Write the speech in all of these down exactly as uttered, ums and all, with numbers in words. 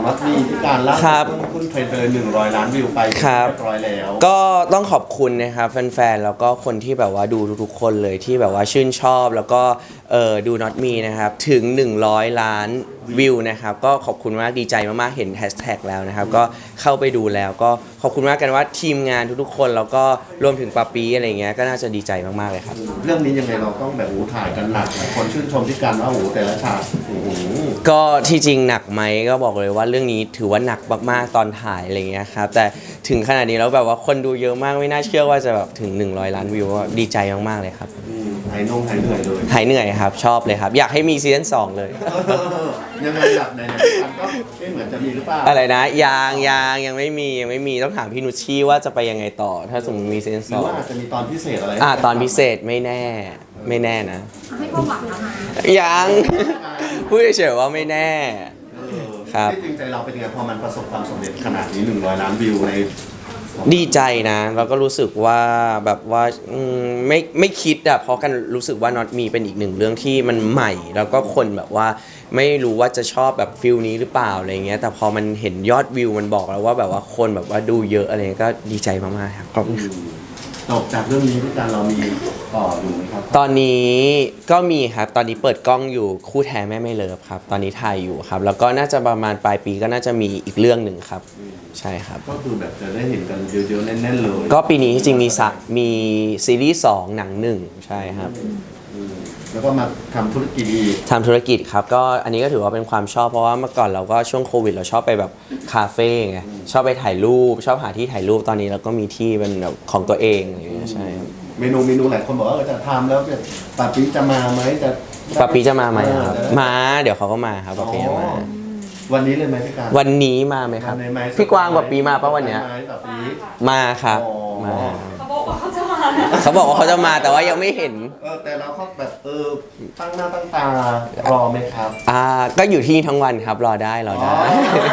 นัดมีที่การล่าสุดขึ้นเทรนด์ไปเลยหนึ่งร้อยล้านวิวไปเรียบร้อยแล้วก็ต้องขอบคุณนะครับแฟนๆแล้วก็คนที่แบบว่าดูทุกๆคนเลยที่แบบว่าชื่นชอบแล้วก็เออดู Not Me นะครับถึงหนึ่งร้อยล้านวิวนะครับก็ขอบคุณมากดีใจมากๆเห็นแฮชแท็กแล้วนะครับก็เข้าไปดูแล้วก็ขอบคุณมากกันว่าทีมงานทุกๆคนแล้วก็รวมถึงปาปีอะไรเงี้ยก็น่าจะดีใจมากๆเลยครับเรื่องนี้ยังไงเราต้องแบบโอ้ถ่ายกันหนักคนชื่นชมที่การว่าโอ้แต่ละฉากโอ้ก็ที่จริงหนักไหมก็บอกเลยว่าเรื่องนี้ถือว่าหนักมากๆตอนถ่ายอะไรเงี้ยครับแต่ถึงขนาดนี้แล้วแบบว่าคนดูเยอะมากไม่น่าเชื่อว่าจะแบบถึงหนึ่งร้อยล้านวิวก็ดีใจมากๆเลยครับหายนงหายเหนื่อยเลยหายเหนื่อยครับชอบเลยครับอยากให้มีซีซั่นสองเลยยังไงหลับในกันก็ไม่เหมือนจะมีหรือเปล่าอะไรนะยังยังยังไม่มียังไม่มีต้องถามพี่นุชชี่ว่าจะไปยังไงต่อถ้าสมมติมีซีซั่นสองหรือว่าอาจจะมีตอนพิเศษอะไรอ่าตอนพิเศษไม่แน่ไม่แน่นะให้ความหวังนะคะยังพูดเฉยๆว่าไม่แน่ครับที่จริงใจเราเป็นยังไงพอมันประสบความสำเร็จขนาดนี้หนึ่งร้อยล้านวิวในดีใจนะแล้วก็รู้สึกว่าแบบว่าไม่ไม่คิดอะเพราะกันรู้สึกว่า Not Me เป็นอีกหนึ่งเรื่องที่มันใหม่แล้วก็คนแบบว่าไม่รู้ว่าจะชอบแบบฟิลนี้หรือเปล่าอะไรเงี้ยแต่พอมันเห็นยอดวิวมันบอกแล้วว่าแบบว่าคนแบบว่าดูเยอะอะไรก็ดีใจมากๆครับขอบคุณจบจากเรื่องนี้ที่การเรามีต่ออยู่ไหมครับตอนนี้ก็มีครับตอนนี้เปิดกล้องอยู่คู่แท้แม่ไม่เลิฟครับตอนนี้ถ่ายอยู่ครับแล้วก็น่าจะประมาณปลายปีก็น่าจะมีอีกเรื่องหนึ่งครับใช่ครับก็คือแบบจะได้เห็นกันเยอะๆแน่นๆเลยก็ปีนี้จริงมีสักมีซีรีส์สองหนังหนึ่งใช่ครับแล้วก็มาทำธุรกิจอีกทำธุรกิจครับก็อันนี้ก็ถือว่าเป็นความชอบเพราะว่าเมื่อก่อนเราก็ช่วงโควิดเราชอบไปแบบคาเฟ่ไงชอบไปถ่ายรูปชอบหาที่ถ่ายรูปตอนนี้เราก็มีที่เป็นแบบของตัวเองอะไรอย่างเงี้ยใช่เมนูเมนูหลายคนบอกว่าจะทำแล้วปาปีจะมาไหมจะปาปีจะมาไหมครับมาเดี๋ยวเขาก็มาครับปาปีจะมาวันนี้เลยไหมพี่การวันนี้มาไหมครับพี่กวางกับปีมาป่ะวันเนี้ยมาครับมาเขาบอกว่าเขาจะมาเขาบอกว่าเขาจะมาแต่ว่ายังไม่เห็นเออแต่เราเขาแบบเออตั้งหน้าตั้งตารอไหมครับอ่าก็อยู่ที่ทั้งวันครับรอได้รอได้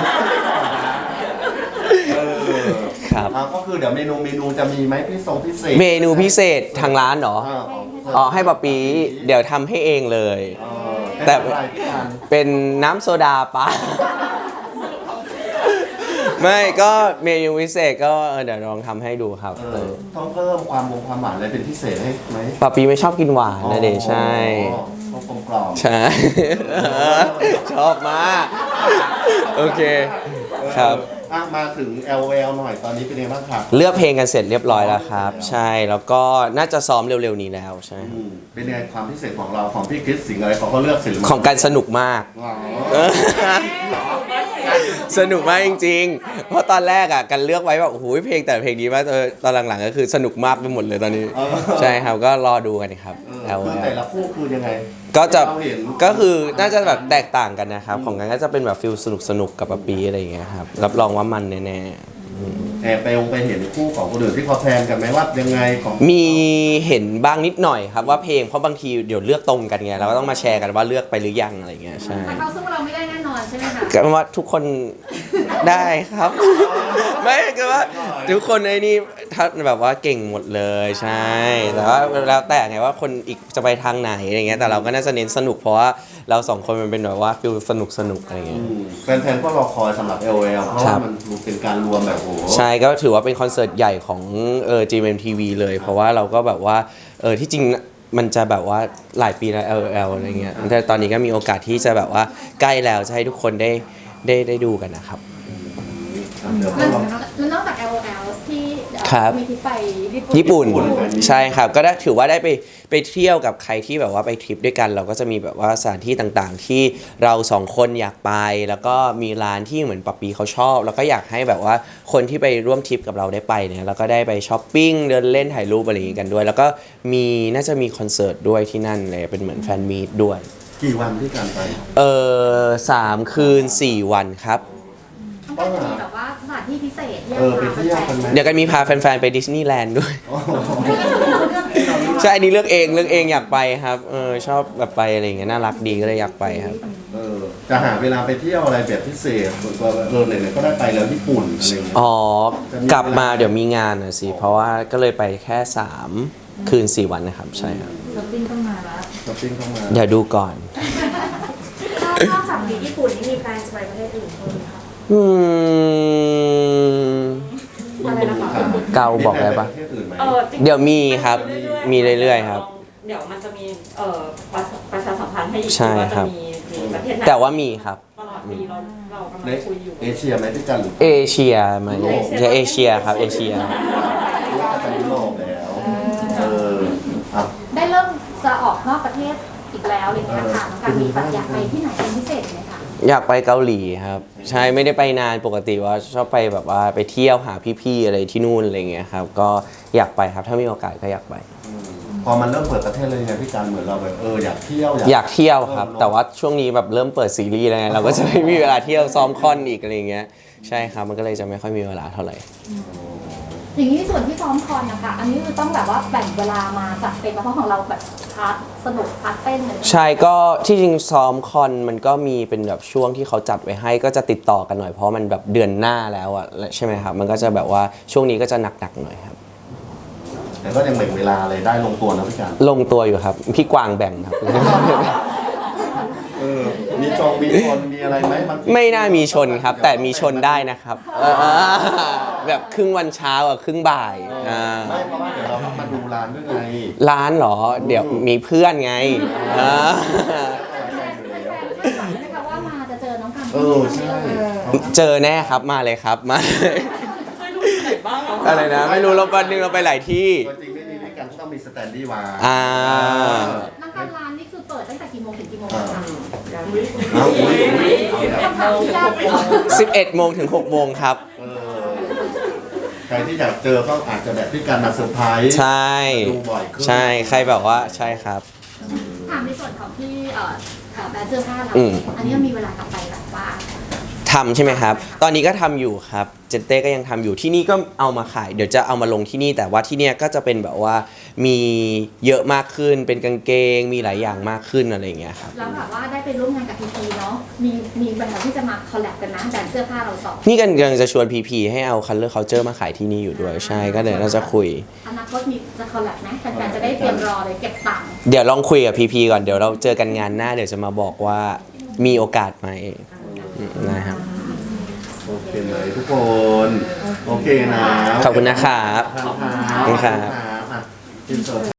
ครับก็คือเดี๋ยวเมนูเมนูจะมีไหมพี่ทรงพิเศษเมนูพิเศษทางร้านเหรออ๋อให้ปะปีเดี๋ยวทำให้เองเลยแต่เป็นน้ำโซดาปะไม่ก็เมนูพิเศษก็เดี๋ยวลองทำให้ดูครับต้องเพิ่มความวงความหวานอะไรเป็นพิเศษให้ไหมปะปีไม่ชอบกินหวานนะเดชใช่ต้องกลมกล่อมใช่ชอบมากโอเคครับมาถึง แอล แอล หน่อยตอนนี้เป็นยังไงบ้างครับเลือกเพลงกันเสร็จเรียบร้อยแล้วครับใช่แล้วก็น่าจะซ้อมเร็วๆนี้แล้วใช่เป็นยังไงความพิเศษของเราของพี่คริสสิงห์อะไรเขาก็เลือกศิลปินของการสนุกมากสนุกมากจริงๆเพราะตอนแรกอ่ะกันเลือกไว้แบบโอ้โหเพลงแต่เพลงดีมากตอนหลังๆก็คือสนุกมากไปหมดเลยตอนนี้ใช่ครับก็รอดูกันครับแต่ละคู่คือยังไงก็จะก็คือน่าจะแบบแตกต่างกันนะครับของกันก็จะเป็นแบบฟิลสนุกสนุกกับปะปีอะไรอย่างเงี้ยครับรับรองว่ามันแน่ๆแอบไปองไปเห็นคู่ของคนอื่นที่เขาแพลนกันไหมว่ายังไงของมีเห็นบ้างนิดหน่อยครับว่าเพลงเพราะบางทีเดี๋ยวเลือกตรงกันไงเราก็ต้องมาแชร์กันว่าเลือกไปหรือยังอะไรเงี้ยใช่แต่เขาสู้เราไม่ได้แน่นอนใช่ไหมคะก็ว่าทุกคนได้ครับไม่ก็ว่าทุกคนในนี่ถ้าแบบว่าเก่งหมดเลยใช่แต่ว่าแล้วแต่ไงว่าคนอีกจะไปทางไหนอะไรเงี้ยแต่เราก็น่าจะเน้นสนุกเพราะว่าเราสองคนมันเป็นแบบว่าฟิลสนุกสนุกอะไรเงี้ยแฟนๆก็รอคอยสำหรับ แอล แอล เพราะว่ามันเป็นการรวมแบบโอ้ใช่ก็ถือว่าเป็นคอนเสิร์ตใหญ่ของเออ จี เอ็ม ที วี เลยเพราะว่าเราก็แบบว่าเออที่จริงมันจะแบบว่าหลายปีแล้ว แอล แอล อะไรเงี้ยแต่ตอนนี้ก็มีโอกาสที่จะแบบว่าใกล้แล้วจะให้ทุกคนได้ได้ได้ดูกันนะครับแล้วนอกจาก แอล แอล ที่มีที่ไปญี่ปุ่นใช่ครับก็ได้ถือว่าได้ไปไปเที่ยวกับใครที่แบบว่าไปทริปด้วยกันเราก็จะมีแบบว่าสถานที่ต่างๆที่เราสองคนอยากไปแล้วก็มีร้านที่เหมือนปะปีเขาชอบแล้วก็อยากให้แบบว่าคนที่ไปร่วมทริปกับเราได้ไปเนี่ยแล้วก็ได้ไปช้อปปิ้งเดินเล่นถ่ายรูปอะไรอย่างงี้กันด้วยแล้วก็มีน่าจะมีคอนเสิร์ตด้วยที่นั่นเลยเป็นเหมือนแฟนมีตด้วยกี่วันที่การไปเออสามคืนสี่วันครับต้องมีแบบว่าสถานที่พิเศษเออไปเที่ยวกันไหมเดี๋ยวกันมีพาแฟนๆไปดิสนีย์แลนด์ด้วยใช่อันนี้เลือกเองเลือกเองอยากไปครับเออชอบแบบไปอะไรอย่างเงี้ยน่ารักดีก็เลยอยากไปครับเออจะหาเวลาไปเที่ยวอะไรแบบพิเศษส่วนตัวเออไหนๆก็ได้ไปแล้วญี่ปุ่นอะไรเงี้ยอ๋อกลับมาเดี๋ยวมีงานนะสิเพราะว่าก็เลยไปแค่สามคืนสี่วันนะครับใช่ครับช้อปปิ้งต้องมาแล้วช้อปปิ้งต้องมาเดี๋ยวดูก่อนนอกจากญี่ปุ่นนี่มีแฟนจะไปประเทศอื่นไหมคะอืมอะไรนะคะเกาบอกได้ปะมีแผนปประเทศอื่นไหมเออจริงๆเดี๋ยวมีครับๆมีเรื่อยๆครับเดี๋ยวมันจะมีเอ่อประประชาสัมพันธ์ให้อีกใช่ว่าครัจะบมีมีประเทศไหนแต่ว่ามีครับตลอดปีเราเรากำในลังคุยอยู่เอเชียไหมพี่กันหรือเอเชียไหมจะเอเชียครับเอเชียว่าจะยุโรปแล้วเอออ่ะได้เริ่มจะออกนอกประเทศอีกแล้วอะไรเงี้ยค่ะน้องการมีแบบอยากไปที่ไหนเป็นพิเศษไหมคะอยากไปเกาหลีครับ ใช่ไม่ได้ไปนานปกติว่าชอบไปแบบว่าไปเที่ยวหาพี่ๆอะไรที่นู่นอะไรเงี้ยครับก็อยากไปครับถ้ามีโอกาสก็อยากไปพอมันเริ่มเปิดประเทศเลยไงพี่กันเหมือนเราแบบเอออยากเที่ยวอยากเที่ยวครับ แต่ว่าช่วงนี้แบบเริ่มเปิดซีรีส์แล้วไงเราก็จะไม่มีเวลาเที่ยวซ้อมคอนอีกอะไรเงี้ยใช่ครับมันก็เลยจะไม่ค่อยมีเวลาเท่าไหร่อย่างนี้ส่วนที่ซ้อมคอนนะคะอันนี้คือต้องแบบว่าแบ่งเวลามาจัดเต็มเพราะของเราแบบพาร์ทสนุกพาร์ทเต้นเลยใช่ก็ที่จริงซ้อมคอนมันก็มีเป็นแบบช่วงที่เขาจัดไว้ให้ก็จะติดต่อกันหน่อยเพราะมันแบบเดือนหน้าแล้วอะใช่ไหมครับมันก็จะแบบว่าช่วงนี้ก็จะหนักๆหน่อยครับแต่ก็ยังแบ่งเวลาอะไรได้ลงตัวนะพี่กันลงตัวอยู่ครับพี่กวางแบ่งครับเออมีจองมีชนมีอะไรไหมบางทีไม่น่ามีชนครับ แต่มีชนได้นะครับเออแบบครึ่งวันเช้ากับครึ่งบ่ายอ่าไม่เพราะว่าเดี๋ยวเราต้องมาดูร้านด้วยไงร้านเหรอ เดี๋ยวมีเพื่อนไงอ่านะคะว่ามาจะเจอน้องกันเออใช่เจอแน่ครับมาเลยครับมาไม่รู้ที่ไหนบ้างเหรออะไรนะ ไม่รู้เราวันหนึงเราไปหลายที่ตัวจริงไม่มีพี่กันก็ต้องมีสแตนดี้วางอ่าน้องกันร้านนี่คือเปิดตั้งแต่กี่โมงถึงกี่โมงคะยังเอาอุ้ยอุ้ยเอาแล้วคำถามที่ยากเลยสิบเอ็ดโมงถึงหกโมงครับเออใครที่อยากเจอก็อาจจะแบบพี่กันมาเซอร์ไพรส์ใช่ดูบ่อยขึ้นใช่ใครแบบว่าใช่ครับถามในส่วนของที่เอ่อเอ่อแบรนด์เสื้อผ้าเราอืมอันนี้มีเวลากลับไปแบบว่าทำใช่ไหมครับ ตอนนี้ก็ทำอยู่ครับ เจนเต้ก็ยังทำอยู่ที่นี่ก็เอามาขาย เดี๋ยวจะเอามาลงที่นี่ แต่ว่าที่เนี่ยก็จะเป็นแบบว่ามีเยอะมากขึ้น เป็นกางเกง มีหลายอย่างมากขึ้นอะไรอย่างเงี้ยครับแล้วแบบว่าได้ไปร่วมงานกับพีพีเนาะมีมีแบรนด์ที่จะมาคอลแลบกันนะแบรนด์เสื้อผ้าเราสองนี่กันกำลังจะชวนพีพีให้เอา Color Culture มาขายที่นี่อยู่ด้วย ใช่ ก็เดี๋ยวเราจะคุยอนาคตมีจะคอลแลบไหมแฟนๆจะได้เตรียมรอเลยเก็บตังค์เดี๋ยวลองคุยกับพีพีก่อน เดี๋ยวเราเจอกันงานหน้า เดี๋ยวจะมาบอกว่ามีโอกาสไหมอืมนะครับโอเคไหมทุกคน โอเคนะขอบคุณนะครับขอบคุณขอบคุณครับอ่ะอินเสิร์ต